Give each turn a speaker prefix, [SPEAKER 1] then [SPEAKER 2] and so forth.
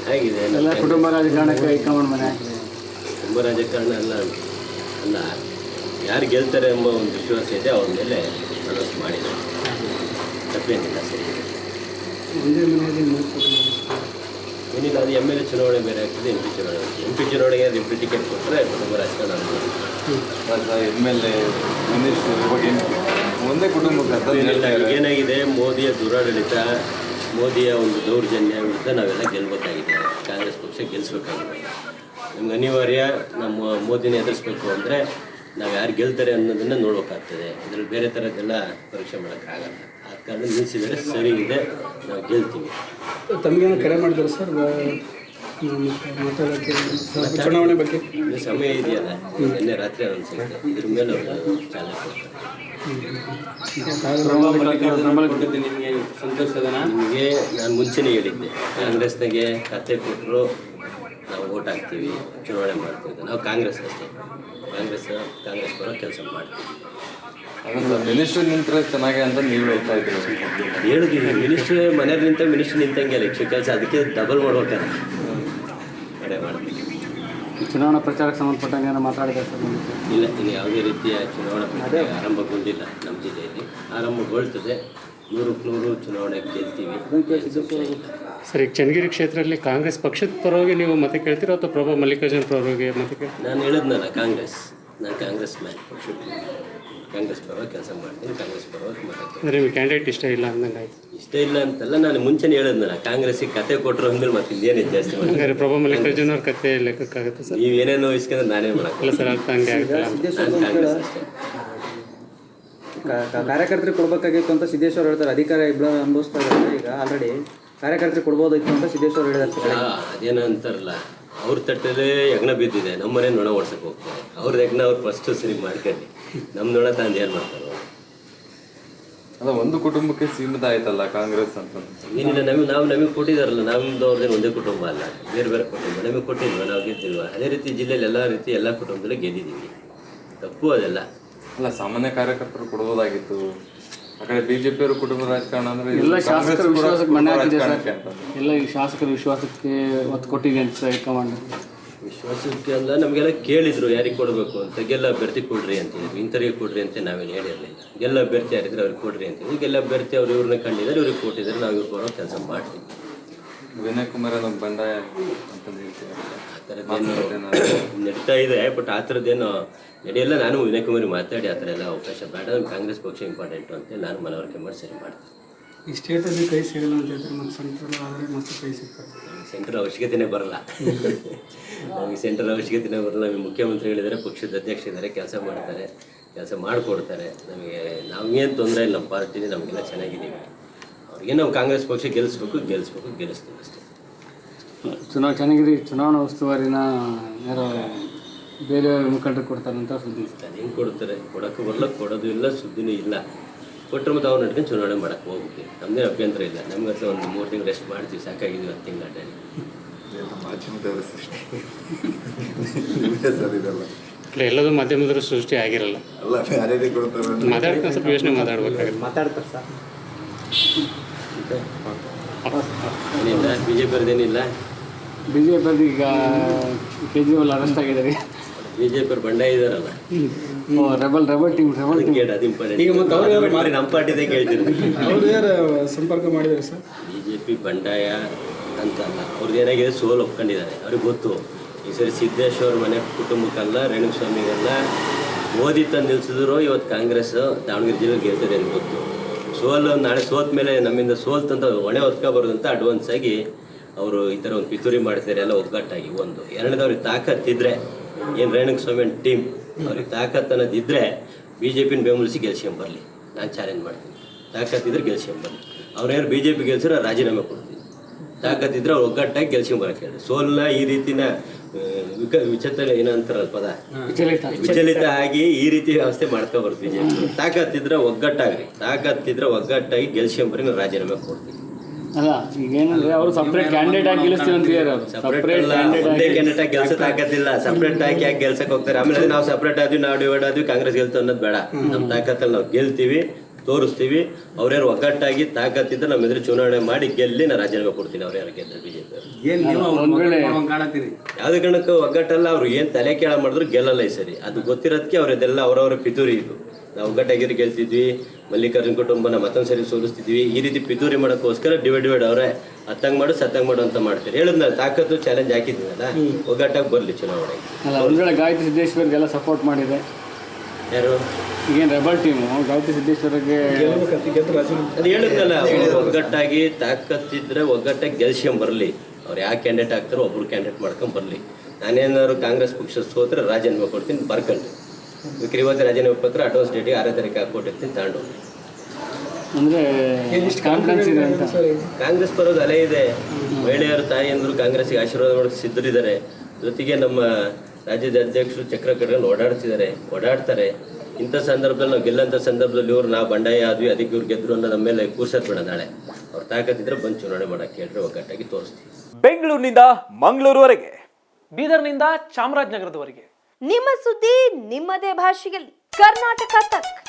[SPEAKER 1] ಹೇಗಿದೆ
[SPEAKER 2] ಎಲ್ಲ ಕುಟುಂಬ ರಾಜಕಾರಣಕ್ಕೆ ಹೈಕಮಾಂಡ್ ಮನೆ
[SPEAKER 1] ಕುಟುಂಬ ರಾಜಕಾರಣ ಅಲ್ಲ ಯಾರು ಗೆಲ್ತಾರೆ ಎಂಬ ಒಂದು ವಿಶ್ವಾಸ ಇದೆ, ಅವ್ರ ಮೇಲೆ ಅನೌನ್ಸ್ ಮಾಡಿದ್ದಾರೆ. ತಪ್ಪೇನಿಲ್ಲ, ಸರಿ
[SPEAKER 2] ಒಂದೇ ಮನೆಯಲ್ಲಿ 3 ಕುಟುಂಬ.
[SPEAKER 1] ಏನಿಲ್ಲ, ಅದು ಎಮ್ ಎಲ್ ಎ ಚುನಾವಣೆ ಬೇರೆ ಆಗ್ತದೆ, ಎಂ ಪಿ ಚುನಾವಣೆಗೆ ರಿಪ್ರಿ ಟಿಕೆಟ್ ಕೊಟ್ಟರೆ ಕುಟುಂಬ ರಾಜಕಾರಣ
[SPEAKER 3] ಎಮ್ ಎಲ್ ಎ ಒಂದೇ ಕುಟುಂಬಕ್ಕೆ
[SPEAKER 1] ಏನಾಗಿದೆ, ಮೋದಿಯ ದುರಾಡಳಿತ, ಮೋದಿಯ ಒಂದು ದೌರ್ಜನ್ಯ ವಿರುದ್ಧ ನಾವೆಲ್ಲ ಗೆಲ್ಲಬೇಕಾಗಿದೆ. ಕಾಂಗ್ರೆಸ್ ಪಕ್ಷ ಗೆಲ್ಲಿಸ್ಬೇಕಾಗಿದೆ. ನಮ್ಗೆ ಅನಿವಾರ್ಯ. ನಮ್ಮ ಮೋದಿನ ಎದುರಿಸ್ಬೇಕು ಅಂದರೆ ನಾವು ಯಾರು ಗೆಲ್ತಾರೆ ಅನ್ನೋದನ್ನು ನೋಡಬೇಕಾಗ್ತದೆ. ಇದರಲ್ಲಿ ಬೇರೆ ಥರದ್ದೆಲ್ಲ ಪರೀಕ್ಷೆ ಮಾಡೋಕ್ಕಾಗಲ್ಲ. ಆದ ಕಾರಣ ನಿಲ್ಲಿಸಿದರೆ ಸರಿ ಇದೆ, ನಾವು ಗೆಲ್ತೀವಿ.
[SPEAKER 2] ತಮಗೇನು ಕರೆ ಮಾಡಿದ್ದಾರೆ ಸರ್ ಮಾತಾಡೋಕ್ಕೆ ಚುನಾವಣೆ ಬಗ್ಗೆ?
[SPEAKER 1] ಇದು ಸಮಯ ಇದೆಯಲ್ಲ, ನಿನ್ನೆ ರಾತ್ರಿ ಅನಿಸುತ್ತೆ, ಇದ್ರ ಮೇಲೆ ಅವರು ಚಾಲನೆ ಕೊಡ್ತಾರೆ.
[SPEAKER 2] ನಿಮಗೆ ಸಂತೋಷದನ?
[SPEAKER 1] ನಿಮಗೆ ನಾನು ಮುಂಚೆನೇ ಹೇಳಿದ್ದೆ, ಕಾಂಗ್ರೆಸ್ನಾಗೆ ಕತೆ ಕೊಟ್ಟರು ನಾವು ಓಟ್ ಹಾಕ್ತೀವಿ, ಚುನಾವಣೆ ಮಾಡ್ತೀವಿ. ನಾವು ಕಾಂಗ್ರೆಸ್ ಅಷ್ಟೇ, ಕಾಂಗ್ರೆಸ್ ಬರೋ ಕೆಲಸ ಮಾಡ್ತೀವಿ.
[SPEAKER 3] ಮಿನಿಸ್ಟ್ರ್ ನಿಂತರೆ ಚೆನ್ನಾಗಿ ಅಂತ ನೀವು ಹೇಳ್ತಾ ಇದ್ದೀರಿ.
[SPEAKER 1] ಹೇಳಿದ್ವಿ, ಮಿನಿಸ್ಟ್ರ್ ಮನೆಯಲ್ಲಿ ನಿಂತ ಮಿನಿಸ್ಟ್ರ್ ನಿಂತಂಗೆ ಎಲೆಕ್ಷನ್ ಕೆಲಸ, ಅದಕ್ಕೆ ಡಬಲ್ ಮಾಡ್ಬೇಕಲ್ಲ, ಕಡೆ ಮಾಡ್ತೀವಿ.
[SPEAKER 2] ಚುನಾವಣಾ ಪ್ರಚಾರಕ್ಕೆ ಸಂಬಂಧಪಟ್ಟಂಗೆ ಏನೋ ಮಾತಾಡಿದ್ದಾರೆ ಸರ್?
[SPEAKER 1] ಇಲ್ಲ, ಇನ್ನು ಯಾವುದೇ ರೀತಿಯ ಚುನಾವಣಾ ಪ್ರಚಾರ ಆರಂಭಗೊಂಡಿಲ್ಲ ನಮ್ಮ ಜಿಲ್ಲೆಯಲ್ಲಿ. ಆರಂಭಗೊಳ್ತದೆ, 100ಕ್ಕೆ 100 ಚುನಾವಣೆಗೆ ಗೆಲ್ತೀವಿ.
[SPEAKER 4] ಸರ್, ಈಗ ಚನ್ನಗಿರಿ ಕ್ಷೇತ್ರದಲ್ಲಿ ಕಾಂಗ್ರೆಸ್ ಪಕ್ಷದ ಪರವಾಗಿ ನೀವು ಮತ ಕೇಳ್ತೀರೋ ಅಥವಾ ಪ್ರಭಾ ಮಲ್ಲಿಕಾರ್ಜುನ್ ಪರವಾಗಿ ಮತ ಕೇಳ್ತೀವಿ?
[SPEAKER 1] ನಾನು ಹೇಳಿದ್ನಲ್ಲ, ನಾನು ಕಾಂಗ್ರೆಸ್ ಮ್ಯಾನ್, ಕಾಂಗ್ರೆಸ್ ಪರವಾಗಿ ಕೆಲಸ ಮಾಡ್ತೀನಿ, ಕಾಂಗ್ರೆಸ್ ಪರವಾಗಿ ಮತ ಕೇಳ್ತೀನಿ.
[SPEAKER 4] ಅಂದರೆ ನಿಮಗೆ ಕ್ಯಾಂಡಿಡೇಟ್ ಇಷ್ಟ ಇಲ್ಲ ಅಂದಂಗೆ ಆಯ್ತು?
[SPEAKER 1] ಇಷ್ಟ ಇಲ್ಲ ಅಂತಲ್ಲ, ನಾನು ಮುಂಚೆನೇ ಹೇಳಿದ್ನಲ್ಲ, ಕಾಂಗ್ರೆಸ್ಸಿಗೆ ಕತೆ ಕೊಟ್ಟರು ಅಂದ್ಮೇಲೆ ಮತ್ತೆ ಇನ್ನೇನು ಜಾಸ್ತಿ ಮಾಡಿ.
[SPEAKER 4] ಹಂಗಾರೆ ಪ್ರಭಾ ಮಲ್ಲಿಕಾರ್ಜುನ್ ಅವ್ರ ಕತೆ ಲೆಕ್ಕಕ್ಕಾಗುತ್ತೆ ಸರ್?
[SPEAKER 1] ನೀವು ಏನೇನೋ ಇಸ್ಕೊಂಡ್ರೆ ನಾನೇನು ಮಾಡೋಕ್ಕಲ್ಲ
[SPEAKER 4] ಸರ್, ಅರ್ಥ ಹಂಗೆ ಆಗ್ತಲ್ಲ.
[SPEAKER 1] ನಾನು ಕಾಂಗ್ರೆಸ್ ಅಷ್ಟೇ.
[SPEAKER 5] ಕಾರ್ಯಕರ್ತರಿಗೆ ಕೊಡಬೇಕಾಗಿತ್ತು ಅಂತ ಸಿದ್ದೇಶ್ವರ ಹೇಳ್ತಾರೆ. ಅಧಿಕಾರ ಇಬ್ಬರು ಅನುಭವಿಸ್ತಾ ಇದ್ದಾರೆ ಈಗ ಆಲ್ರೆಡಿ. ಕಾರ್ಯಕರ್ತರಿಗೆ ಕೊಡ್ಬೋದಿತ್ತು ಅಂತ ಸಿದ್ದೇಶ್ವರ ಹೇಳಿದ್ದಾರೆ.
[SPEAKER 1] ಅದೇನೋ ಅಂತಾರಲ್ಲ, ಅವ್ರ ತಟ್ಟಲ್ಲೇ ಯಜ್ಞ ಬಿದ್ದಿದೆ, ನಮ್ಮನೆ ನೊಣ ಓಡ್ಸಕ್ಕೆ ಹೋಗ್ತಾರೆ. ಅವ್ರದ್ದು ಯಜ್ಞ ಅವ್ರು ಫಸ್ಟು ಸರಿ ಮಾಡ್ಕೊಂಡು ನಮ್ಮ ನೊಣ ತಂದು ಏನು ಮಾಡ್ತಾರೆ?
[SPEAKER 3] ಅಲ್ಲ, ಒಂದು ಕುಟುಂಬಕ್ಕೆ ಸೀಮಿತ ಆಯ್ತಲ್ಲ ಕಾಂಗ್ರೆಸ್ ಅಂತ.
[SPEAKER 1] ಏನಿಲ್ಲ, ನಮಗೆ ಕೊಟ್ಟಿದ್ದಾರಲ್ಲ, ನಮ್ಮದು ಅವ್ರದ್ದೇನು ಒಂದೇ ಕುಟುಂಬ ಅಲ್ಲ, ಬೇರೆ ಬೇರೆ ಕುಟುಂಬ. ನಮಗೆ ಕೊಟ್ಟಿಲ್ವ, ನಾವು ಗೆದ್ದಿಲ್ವ? ಅದೇ ರೀತಿ ಜಿಲ್ಲೆಯಲ್ಲಿ ಎಲ್ಲ ಕುಟುಂಬದಲ್ಲೂ ಗೆದ್ದಿದ್ದೀವಿ. ತಪ್ಪು ಅದೆಲ್ಲ.
[SPEAKER 3] ಅಲ್ಲ, ಸಾಮಾನ್ಯ ಕಾರ್ಯಕರ್ತರು ಕೊಡ್ಬೋದಾಗಿತ್ತು. ಆ ಕಡೆ ಬಿಜೆಪಿ ಅವರು ಕುಟುಂಬ ರಾಜಕಾರಣ ಅಂದ್ರೆ
[SPEAKER 2] ಎಲ್ಲ ಶಾಸಕರ ವಿಶ್ವಾಸಕ್ಕೆ ಮನೆ ಹಾಕಿದೆ ಸರ್. ಎಲ್ಲ ಈ ಶಾಸಕರ ವಿಶ್ವಾಸಕ್ಕೆ ಒತ್ತು ಕೊಟ್ಟಿದೆ ಅಂತ ಹೈಕಮಾಂಡ್.
[SPEAKER 1] ವಿಶ್ವಾಸಕ್ಕೆ ಅಲ್ಲ, ನಮಗೆಲ್ಲ ಕೇಳಿದ್ರು ಯಾರಿಗೆ ಕೊಡಬೇಕು ಅಂತ. ಗೆಲ್ಲ ಅಭ್ಯರ್ಥಿ ಕೊಡ್ರಿ ಅಂತಿದ್ರು, ಇಂಥವ್ರಿಗೆ ಕೊಡ್ರಿ ಅಂತ ನಾವೇನು ಹೇಳಿರಲಿಲ್ಲ. ಗೆಲ್ಲ ಅಭ್ಯರ್ಥಿ ಯಾರಿದ್ರೆ ಅವ್ರಿಗೆ ಕೊಡ್ರಿ ಅಂತಿದ್ರು. ಗೆಲ್ಲ ಅಭ್ಯರ್ಥಿ ಅವ್ರು ಇವ್ರನ್ನ ಕಂಡಿದ್ದಾರೆ, ಇವ್ರಿಗೆ ಕೊಟ್ಟಿದ್ದಾರೆ, ನಾವು ಇವ್ರು ಬರೋ ಕೆಲಸ ಮಾಡ್ತೀವಿ.
[SPEAKER 3] ವಿನಯ್ ಕುಮಾರ್ ನಮ್ಮ ಬಂಡಾಯ ಅಂತ ಹೇಳ್ತೀವಿ.
[SPEAKER 1] ಆ ಥರದ್ದೇನು ನಡೀತಾ ಇದೆ, ಬಟ್ ಆ ಥರದ್ದೇನು ನಡೆಯಲ್ಲ. ನಾನು ವಿನಯ್ ಕುಮಾರಿ ಮಾತಾಡಿ ಆ ಥರ ಎಲ್ಲ ಅವಕಾಶ ಬೇಡ, ನಮ್ಮ ಕಾಂಗ್ರೆಸ್ ಪಕ್ಷ ಇಂಪಾರ್ಟೆಂಟು ಅಂತ ನಾನು ಮನವರಿಕೆ ಮಾಡಿ ಸರಿ ಮಾಡ್ತೀನಿ.
[SPEAKER 2] ಈ ಸ್ಟೇಟಲ್ಲಿ ಕೈ ಸಿಗಲ್ಲ ಅಂತ ಹೇಳ್ತಾರೆ, ಮತ್ತು ಸೆಂಟ್ರಲ್ ಆದರೆ ಮತ್ತೆ ಕೈ ಸಿಗ್ತದೆ.
[SPEAKER 1] ಸೆಂಟ್ರಲ್ ಅವಶ್ಯಕತೆನೇ ಬರಲ್ಲ, ನಮಗೆ ಸೆಂಟ್ರಲ್ ಅವಶ್ಯಕತೆನೇ ಬರಲ್ಲ. ನಮಗೆ ಮುಖ್ಯಮಂತ್ರಿಗಳಿದ್ದಾರೆ, ಪಕ್ಷದ ಅಧ್ಯಕ್ಷ ಇದ್ದಾರೆ, ಕೆಲಸ ಮಾಡ್ತಾರೆ, ಕೆಲಸ ಮಾಡಿಕೊಡ್ತಾರೆ. ನಮಗೇನು ತೊಂದರೆ ಇಲ್ಲ. ನಮ್ಮ ಪಾರ್ಟಿನೇ ನಮಗೆಲ್ಲ ಚೆನ್ನಾಗಿದ್ದೀವಿ. ಅವ್ರಿಗೆ ನಾವು ಕಾಂಗ್ರೆಸ್ ಪಕ್ಷ ಗೆಲ್ಲಿಸ್ತೀವಿ ಅಷ್ಟೇ.
[SPEAKER 2] ಚೆನ್ನಾಗಿರಿ. ಚುನಾವಣಾ ಉಸ್ತುವಾರಿನ ಯಾರೋ ಬೇರೆ ಮುಖಂಡರು ಕೊಡ್ತಾರಂತ ಸುದ್ದಿ.
[SPEAKER 1] ಅದೇನು ಕೊಡ್ತಾರೆ? ಕೊಡೋಕ್ಕೂ ಬರಲ್ಲ, ಕೊಡೋದು ಇಲ್ಲ, ಸುದ್ದಿನೂ ಇಲ್ಲ. ಕೊಟ್ಟರೆ ಮತ್ತು ಅವ್ರು ನಡ್ಕೊಂಡು ಚುನಾವಣೆ ಮಾಡೋಕ್ಕೆ ಹೋಗ್ತೀವಿ. ನಮ್ಮದೇನು ಅಭ್ಯಂತರ ಇಲ್ಲ. ನಮ್ಗೆ ಹತ್ರ ಒಂದು 3 ತಿಂಗಳು ರೆಸ್ಟ್ ಮಾಡ್ತೀವಿ, ಸಾಕಾಗಿದ್ದೀವಿ 10 ತಿಂಗಳು ಅಡ್ಡಾಡಿ.
[SPEAKER 4] ಎಲ್ಲದೂ ಮಾಧ್ಯಮದವರು ಸೃಷ್ಟಿ ಆಗಿರಲ್ಲ. ಮಾತಾಡ್ತಾರೆ, ಸ್ವಲ್ಪ ಯೋಚನೆ ಮಾತಾಡ್ಬೇಕಾಗುತ್ತೆ.
[SPEAKER 5] ಮಾತಾಡ್ತಾರೆ ಸರ್.
[SPEAKER 1] ಏನಿಲ್ಲ, BJP-ಅವ್ರದ್ದೇನಿಲ್ಲ.
[SPEAKER 2] BJP ಈಗ ಕೇಜ್ರಿವಾಲ್ ಅರೆಸ್ಟ್ ಆಗಿದ್ದಾರೆ.
[SPEAKER 1] BJP-ಅವ್ರು ಬಂಡಾಯ ಇದ್ದಾರಲ್ಲ,
[SPEAKER 2] ರೆಬಲ್ ಟೀಮ್
[SPEAKER 1] ಕೇಳಿ ಅದು ಇಂಪಾರ್ಟೆಂಟ್. ಈಗ ಮತ್ತೆ ಅವ್ರು ಮಾಡಿ ನಮ್ಮ ಪಾರ್ಟಿದೇ ಕೇಳ್ತೀರಿ.
[SPEAKER 2] ಅವರು ಯಾರು ಸಂಪರ್ಕ ಮಾಡಿದ್ದಾರೆ ಸರ್?
[SPEAKER 1] BJP ಬಂಡಾಯ ಅಂತಲ್ಲ, ಅವ್ರದ್ದು ಏನಾಗಿದೆ, ಸೋಲು ಒಪ್ಕೊಂಡಿದ್ದಾರೆ. ಅವ್ರಿಗೆ ಗೊತ್ತು ಈ ಸರಿ ಸಿದ್ದೇಶ್ವರ ಮನೆ ಕುಟುಂಬಕ್ಕಲ್ಲ, ರೇಣುಸ್ವಾಮಿಗಲ್ಲ, ಮೋದಿ ತಂದು ನಿಲ್ಸಿದ್ರು ಇವತ್ತು ಕಾಂಗ್ರೆಸ್ ದಾವಣಗೆರೆ ಜಿಲ್ಲೆಗೆ ಗೆಲ್ತದೆ ಅಂತ ಗೊತ್ತು. ನಾಳೆ ಸೋತ ಮೇಲೆ ನಮ್ಮಿಂದ ಸೋಲ್ತಂತ ಹೊಣೆ ಹೊತ್ಕೋಬಾರ್ದು ಅಂತ ಅಡ್ವಾನ್ಸ್ ಆಗಿ ಅವರು ಈ ಥರ ಒಂದು ಪಿತೂರಿ ಮಾಡ್ತಾರೆ, ಎಲ್ಲ ಒಗ್ಗಟ್ಟಾಗಿ. ಒಂದು ಎರಡನೇದವ್ರಿಗೆ ತಾಕತ್ತಿದ್ರೆ, ಏನು ರೇಣುಸ್ವಾಮಿ ಟೀಮ್ ಅವ್ರಿಗೆ ತಾಕತ್ತು ಅನ್ನೋದಿದ್ದರೆ BJP-ನ ಬೆಂಬಲಿಸಿ ಗೆಲ್ಸ್ಕೊಂಬರಲಿ, ನಾನು ಚಾಲೆಂಜ್ ಮಾಡ್ತೀನಿ. ತಾಕತ್ತಿದ್ರೆ ಗೆಲ್ಸ್ಕೊಂಬರಲಿ. ಅವ್ರೇನು BJP ಗೆಲ್ಸಿದ್ರೆ ರಾಜೀನಾಮೆ ಕೊಡ್ತೀನಿ. ತಾಕತ್ತಿದ್ರೆ ಅವ್ರು ಒಗ್ಗಟ್ಟಾಗಿ ಗೆಲ್ಸ್ಕೊಂಬರಕ್ಕೆ ಹೇಳಿ. ಸೋಲನ್ನ ಈ ರೀತಿನ ವಿಚಿತ್ರ ಏನಂತಾರಲ್ಲ ಪದ, ವಿಚಲಿತ ಆಗಿ ಈ ರೀತಿ ವ್ಯವಸ್ಥೆ ಮಾಡ್ಕೊಬಾರ್ದು BJP. ತಾಕತ್ತಿದ್ರೆ ಒಗ್ಗಟ್ಟಾಗಿ ಗೆಲ್ಸ್ಕೊಂಬರಿ, ನಾನು ರಾಜೀನಾಮೆ ಕೊಡ್ತೀನಿ.
[SPEAKER 2] ಅಲ್ಲ, ಈಗ ಏನಂದ್ರೆ ಅವರು ಸಪ್ರೇಟ್ ಕ್ಯಾಂಡಿಡೇಟ್ ಆಗಿ ಗೆಲ್ಲಿಸ್ತೀವಿ ಅಂತ ಹೇಳಿದ್ರು.
[SPEAKER 1] ಒಂದೇ ಕ್ಯಾಂಡಿಡೇಟ್ ಆಗಿ ಗೆಲ್ಸಕ್ ಆಗತ್ತಿಲ್ಲ, ಸಪ್ರೇಟ್ ಆಗಿ ಯಾಕೆ ಗೆಲ್ಸಕ್ ಹೋಗ್ತಾರೆ? ಆಮೇಲೆ ನಾವು ಸಪ್ರೇಟ್ ಆದ್ವಿ, ನಾವು ಡಿವೈಡ್ ಆದ್ವಿ, ಕಾಂಗ್ರೆಸ್ ಗೆಲ್ತು ಅನ್ನೋದು ಬೇಡ. ನಮ್ಮ ತಾಕತ್ತಲ್ಲಿ ನಾವು ಗೆಲ್ತೀವಿ, ತೋರಿಸ್ತೀವಿ. ಅವ್ರ್ಯಾರು ಒಗ್ಗಟ್ಟಾಗಿ ತಾಕತ್ತಿದ್ದ ನಮ್ಮ ಎದುರು ಚುನಾವಣೆ ಮಾಡಿ ಗೆಲ್ಲಿ ನಾನು ರಾಜೀನಾಮೆ ಕೊಡ್ತೀನಿ. ಅವ್ರ್ಯಾರು ಗೆದ್ದರೆ ಬಿಜೆಪಿ ಯಾವುದೇ ಕಾರಣಕ್ಕೂ ಒಗ್ಗಟ್ಟಲ್ಲ. ಅವ್ರು ಏನು ತಲೆ ಕೇಳ ಮಾಡಿದ್ರು ಗೆಲ್ಲಲ್ಲ ಈ ಸರಿ. ಅದು ಗೊತ್ತಿರೋದಕ್ಕೆ ಅವ್ರದ್ದೆಲ್ಲ ಅವರವರ ಪಿತೂರಿ ಇದು. ನಾವು ಒಗ್ಗಟ್ಟಾಗಿದ್ದು ಗೆಲ್ತಿದ್ವಿ, ಮಲ್ಲಿಕಾರ್ಜುನ ಕುಟುಂಬನ ಮತ್ತೊಂದು ಸರಿ ಸೋಲಿಸ್ತಿದ್ವಿ. ಈ ರೀತಿ ಪಿತೂರಿ ಮಾಡೋಕ್ಕೋಸ್ಕರ ಡಿವೈಡ್ ಅವರೇ ಹತ್ತಂಗೆ ಮಾಡು ಸತ್ತಂಗೆ ಮಾಡು ಅಂತ ಮಾಡ್ತಾರೆ. ಹೇಳಿದ್ನಲ್ಲ, ತಾಕತ್ತು ಚಾಲೆಂಜ್ ಹಾಕಿದ್ದೀನಲ್ಲ, ಒಗ್ಗಟ್ಟಾಗಿ ಬರಲಿ ಚುನಾವಣೆಗೆ.
[SPEAKER 2] ಅಲ್ಲ, ಒಂದು ವೇಳೆ ಗಾಯತ್ರಿ ಸಿದ್ದೇಶ್ವರ್ಗೆಲ್ಲ ಸಪೋರ್ಟ್ ಮಾಡಿದೆ,
[SPEAKER 1] ಯಾರು
[SPEAKER 2] ಈಗೇನು ರೆಬಲ್ ಟೀಮು ಗಾಯತ್ರಿ ಸಿದ್ದೇಶ್ವರ್ಗೆ
[SPEAKER 1] ಅದು ಹೇಳಿದ್ನಲ್ಲ, ಒಗ್ಗಟ್ಟಾಗಿ ತಾಕತ್ತಿದ್ರೆ ಒಗ್ಗಟ್ಟಾಗಿ ಗೆಲ್ಸ್ಕೊಂಬರ್ಲಿ. ಅವ್ರು ಯಾವ ಕ್ಯಾಂಡಿಡೇಟ್ ಆಗ್ತಾರೋ ಒಬ್ರು ಕ್ಯಾಂಡಿಡೇಟ್ ಮಾಡ್ಕೊಂಡು ಬರಲಿ. ನಾನೇನಾದ್ರು ಕಾಂಗ್ರೆಸ್ ಪಕ್ಷ ಸೋತ್ರೆ ರಾಜೀನಾಮೆ ಕೊಡ್ತೀನಿ, ಬರ್ಕೊಂಡು ವಿಕ್ರಿ ಇವತ್ತು ರಾಜೀನಾಮೆ ಪತ್ರ ಅಡ್ವಾನ್ಸ್ ಡೇಟಿಗೆ 6ನೇ ತಾರೀಕು ಹಾಕ್ಕೊಟ್ಟಿರ್ತೀನಿ ತಗೊಂಡು.
[SPEAKER 2] ಅಂದರೆ ಕಾನ್ಫಿಡೆನ್ಸ್ ಇದೆ ಅಂತ
[SPEAKER 1] ಕಾಂಗ್ರೆಸ್ ಬರೋದು ಅಲೆ ಇದೆ. ಮಹಿಳೆಯರು ತಾಯಿಯಂದ್ರು ಕಾಂಗ್ರೆಸ್ಗೆ ಆಶೀರ್ವಾದ ಮಾಡೋಕ್ಕೆ ಸಿದ್ಧರಿದ್ದಾರೆ. ಜೊತೆಗೆ ನಮ್ಮ ರಾಜ್ಯದ ಅಧ್ಯಕ್ಷರು ಚಕ್ರ ಕಟ್ಕೊಂಡು ಓಡಾಡ್ತಾರೆ. ಇಂಥ ಸಂದರ್ಭದಲ್ಲಿ ನಾವು ಗೆಲ್ಲಂಥ ಸಂದರ್ಭದಲ್ಲಿ ಇವ್ರು ನಾವು ಬಂಡಾಯ ಆದ್ವಿ, ಅದಕ್ಕೆ ಇವ್ರು ಗೆದ್ರು ಅನ್ನೋ ನಮ್ಮ ಮೇಲೆ ಕೂರ್ಸೋದು ನಾಳೆ. ಅವ್ರು ತಾಕತ್ತಿದ್ರೆ ಬಂದು ಚುನಾವಣೆ ಮಾಡೋಕ್ಕೆ ಹೇಳ್ರೆ ಒಗ್ಗಟ್ಟಾಗಿ ತೋರಿಸ್ತೀವಿ.
[SPEAKER 6] ಬೆಂಗಳೂರಿನಿಂದ ಮಂಗಳೂರುವರೆಗೆ,
[SPEAKER 7] ಬೀದರ್ನಿಂದ ಚಾಮರಾಜನಗರದವರೆಗೆ
[SPEAKER 8] ನಿಮ್ಮ ಸುದ್ದಿ ನಿಮ್ಮದೇ ಭಾಷೆಯಲ್ಲಿ ಕರ್ನಾಟಕ ತಕ್.